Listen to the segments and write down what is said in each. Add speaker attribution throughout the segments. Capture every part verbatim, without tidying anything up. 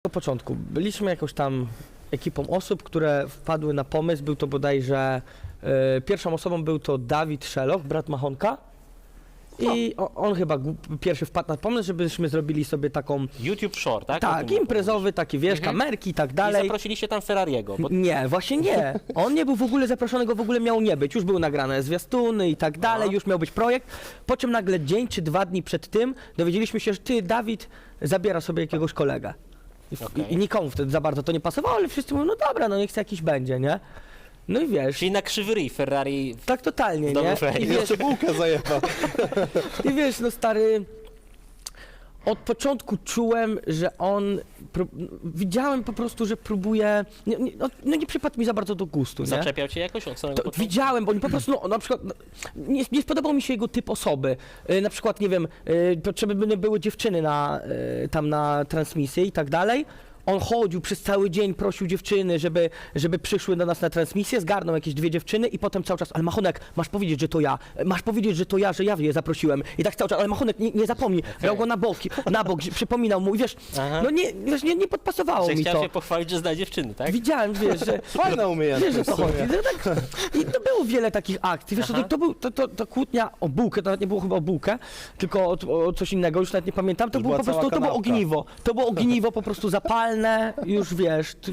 Speaker 1: Do początku byliśmy jakąś tam ekipą osób, które wpadły na pomysł, był to bodajże, e, pierwszą osobą był to Dawid Szeloch, brat Machonka. I o, on chyba gu- pierwszy wpadł na pomysł, żebyśmy zrobili sobie taką,
Speaker 2: YouTube Short, tak? O
Speaker 1: tak,
Speaker 2: tym
Speaker 1: imprezowy, taki wiesz,
Speaker 2: Mhm.
Speaker 1: kamerki i tak
Speaker 2: I
Speaker 1: dalej.
Speaker 2: zaprosiliście tam Ferrariego, bo
Speaker 1: Nie, właśnie nie. On nie był w ogóle zaproszony, go w ogóle miał nie być. Już były nagrane zwiastuny i tak dalej,
Speaker 2: Aha.
Speaker 1: już miał być projekt. Po czym nagle dzień czy dwa dni przed tym dowiedzieliśmy się, że ty, Dawid, zabiera sobie jakiegoś kolegę. I,
Speaker 2: Okej.
Speaker 1: i, I nikomu wtedy za bardzo to nie pasowało, ale wszyscy mówią, no dobra, no niech chce jakiś będzie, nie? No i wiesz,
Speaker 2: czyli na krzywy ryj Ferrari.
Speaker 1: tak totalnie,
Speaker 2: w domu
Speaker 1: nie?
Speaker 2: Freddy.
Speaker 1: I wiesz,
Speaker 3: Jeszcze bułkę zajebał.
Speaker 1: I wiesz, no stary, od początku czułem, że on, prób- widziałem po prostu, że próbuje, nie, nie, no, no nie przypadł mi za bardzo do gustu, nie?
Speaker 2: Zaczepiał cię jakoś od samego
Speaker 1: To
Speaker 2: początku?
Speaker 1: widziałem, bo oni po prostu, no, na przykład, no, nie, nie spodobał mi się jego typ osoby. E, na przykład, nie wiem, e, potrzeby by były dziewczyny na, e, tam na transmisji i tak dalej. On chodził przez cały dzień, prosił dziewczyny, żeby, żeby przyszły do nas na transmisję, zgarnął jakieś dwie dziewczyny i potem cały czas, ale Machonek, masz powiedzieć, że to ja, masz powiedzieć, że to ja, że ja je zaprosiłem. I tak cały czas, ale Machonek, nie, nie zapomnij, brał go na boki, na bok, przypominał mu i wiesz,
Speaker 2: Aha.
Speaker 1: no nie, wiesz, nie, nie podpasowało
Speaker 2: Że
Speaker 1: mi
Speaker 2: chciał
Speaker 1: to.
Speaker 2: się pochwalić, że zna dziewczyny, tak?
Speaker 1: Widziałem, wiesz, że...
Speaker 3: Fajna umiejętność.
Speaker 1: Wiesz, o co
Speaker 3: w sumie.
Speaker 1: chodzi. No tak, i to było wiele takich akcji. Wiesz,
Speaker 2: Aha.
Speaker 1: to, to, był, to, to, to kłótnia o bułkę, to nawet nie było chyba o bułkę, tylko o, o coś innego, już nawet nie pamiętam. To
Speaker 3: Już
Speaker 1: było
Speaker 3: była
Speaker 1: po prostu,
Speaker 3: cała
Speaker 1: to było
Speaker 3: kanapka.
Speaker 1: ogniwo. To było ogniwo po prostu zapalne, już wiesz, ty,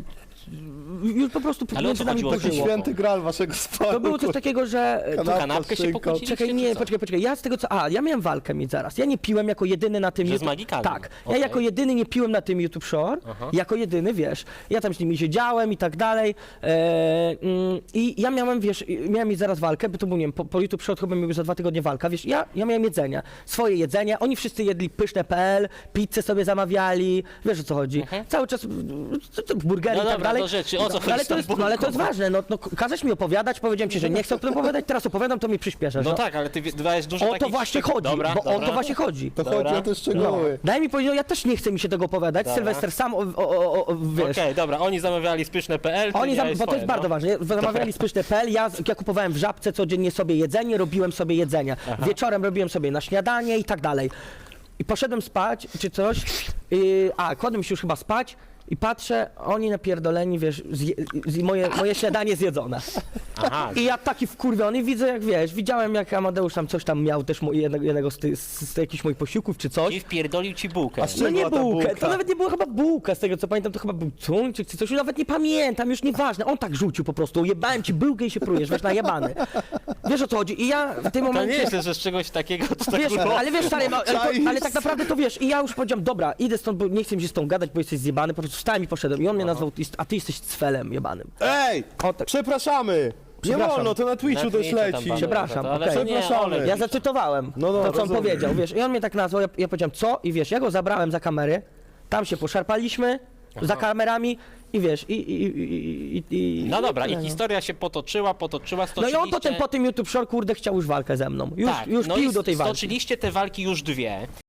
Speaker 1: już po prostu
Speaker 2: Ale o
Speaker 1: między
Speaker 2: co
Speaker 1: nami
Speaker 2: chodziło?
Speaker 3: Taki
Speaker 1: pożyło.
Speaker 3: święty gral waszego sporu.
Speaker 1: To było coś takiego, że...
Speaker 3: Kanapka
Speaker 1: To,
Speaker 2: Kanapkę
Speaker 3: z
Speaker 2: się
Speaker 3: szynką.
Speaker 2: pokłóciliście,
Speaker 1: czekaj, nie,
Speaker 2: czy co?
Speaker 1: poczekaj, poczekaj, ja z tego co... A, ja miałem walkę mieć zaraz. Ja nie piłem jako jedyny na tym...
Speaker 2: Że z
Speaker 1: YouTube-
Speaker 2: magikami.
Speaker 1: Tak, ja
Speaker 2: Okej.
Speaker 1: jako jedyny nie piłem na tym YouTube Shore,
Speaker 2: Aha.
Speaker 1: jako jedyny, wiesz, ja tam z nimi siedziałem i tak dalej e, mm, i ja miałem, wiesz, miałem mieć zaraz walkę, bo to był, nie wiem, po, po YouTube Shore chyba miał za dwa tygodnie walka, wiesz, ja, ja miałem jedzenie, swoje jedzenie, oni wszyscy jedli pyszne kropka pe el, pizzę sobie zamawiali, wiesz o co chodzi,
Speaker 2: Mhm.
Speaker 1: cały czas mm, co- co, burgery
Speaker 2: No
Speaker 1: i tak
Speaker 2: dobra,
Speaker 1: dalej.
Speaker 2: do rzeczy, o co
Speaker 1: No,
Speaker 2: chodzi
Speaker 1: ale
Speaker 2: z
Speaker 1: to
Speaker 2: tą
Speaker 1: jest, no, ale to jest
Speaker 2: bułką?
Speaker 1: ważne, no, no każesz mi opowiadać, powiedziałem ci, że nie chcę o tym opowiadać, teraz opowiadam, to mi przyspieszasz.
Speaker 2: No tak, ale ty wie- dajesz dużo
Speaker 1: O to
Speaker 2: takich
Speaker 1: właśnie
Speaker 2: szczegółów.
Speaker 1: chodzi,
Speaker 2: Dobra,
Speaker 1: bo o
Speaker 2: dobra.
Speaker 1: to właśnie chodzi.
Speaker 3: To
Speaker 2: Dobra.
Speaker 3: chodzi o te szczegóły.
Speaker 1: Daj mi powiedzieć, no ja też nie chcę mi się tego opowiadać,
Speaker 2: Dobra.
Speaker 1: Sylwester sam, o, o, o, o, wiesz.
Speaker 2: Okej, dobra, oni zamawiali spyszne kropka pe el, ty
Speaker 1: Oni zam,
Speaker 2: miałeś
Speaker 1: bo to
Speaker 2: swoje,
Speaker 1: jest bardzo
Speaker 2: no.
Speaker 1: ważne. Zamawiali spyszne kropka pe el, ja, ja kupowałem w Żabce codziennie sobie jedzenie, robiłem sobie jedzenie.
Speaker 2: Aha.
Speaker 1: Wieczorem robiłem sobie na śniadanie i tak dalej. I poszedłem spać, czy coś, yy, a kładłem się już chyba spać i patrzę, oni napierdoleni, wiesz, zje, z, moje, moje śniadanie zjedzone.
Speaker 2: Aha,
Speaker 1: I ja taki wkurwiony, widzę jak, wiesz, widziałem jak Amadeusz tam coś tam miał, też mu- jednego, jednego z, ty, z, z jakichś moich posiłków czy coś.
Speaker 2: i wpierdolił ci bułkę.
Speaker 3: A z
Speaker 1: No
Speaker 3: czym
Speaker 1: nie
Speaker 3: była ta
Speaker 1: bułkę,
Speaker 3: bułka?
Speaker 1: to nawet nie była chyba bułka, z tego co pamiętam, to chyba był tuńczyk czy coś, już nawet nie pamiętam, już nieważne, on tak rzucił po prostu, jebałem ci bułkę i się prujesz, wiesz, najebany. Wiesz o co chodzi i ja w tym
Speaker 2: To nie
Speaker 1: momencie...
Speaker 2: jest, że z czegoś takiego to tak
Speaker 1: Wiesz,
Speaker 2: było.
Speaker 1: ale wiesz, stary, no, ale,
Speaker 3: Czaisz?
Speaker 1: to, ale tak naprawdę to wiesz, i ja już powiedziałem, dobra, idę stąd, bo nie chcę mi się z tą gadać, bo jesteś zjebany, po prostu wstałem i poszedłem i on mnie nazwał, a ty jesteś cwelem jebanym.
Speaker 3: Ej!
Speaker 1: O, tak.
Speaker 3: Przepraszamy! Nie
Speaker 1: Przepraszam.
Speaker 3: wolno, to na Twitchu
Speaker 2: Na
Speaker 3: też
Speaker 2: Twitchu tam
Speaker 3: leci.
Speaker 2: panu-
Speaker 1: Przepraszam,
Speaker 2: to, ale
Speaker 1: okej.
Speaker 2: to nie,
Speaker 3: Przepraszamy.
Speaker 2: Olek.
Speaker 1: Ja zacytowałem
Speaker 3: No, no,
Speaker 1: to, co on
Speaker 3: rozumiem.
Speaker 1: powiedział, wiesz, i on mnie tak nazwał, ja, ja powiedziałem, co? I wiesz, ja go zabrałem za kamery, tam się poszarpaliśmy, za kamerami i wiesz, i... i, i, i, i
Speaker 2: No dobra,
Speaker 1: tyle,
Speaker 2: i
Speaker 1: no.
Speaker 2: historia się potoczyła, potoczyła,
Speaker 1: No i
Speaker 2: stoczyliście...
Speaker 1: on potem po tym YouTube Short, kurde, chciał już walkę ze mną. Już,
Speaker 2: tak,
Speaker 1: już
Speaker 2: no
Speaker 1: pił
Speaker 2: i
Speaker 1: do tej walki.
Speaker 2: stoczyliście te walki już dwie.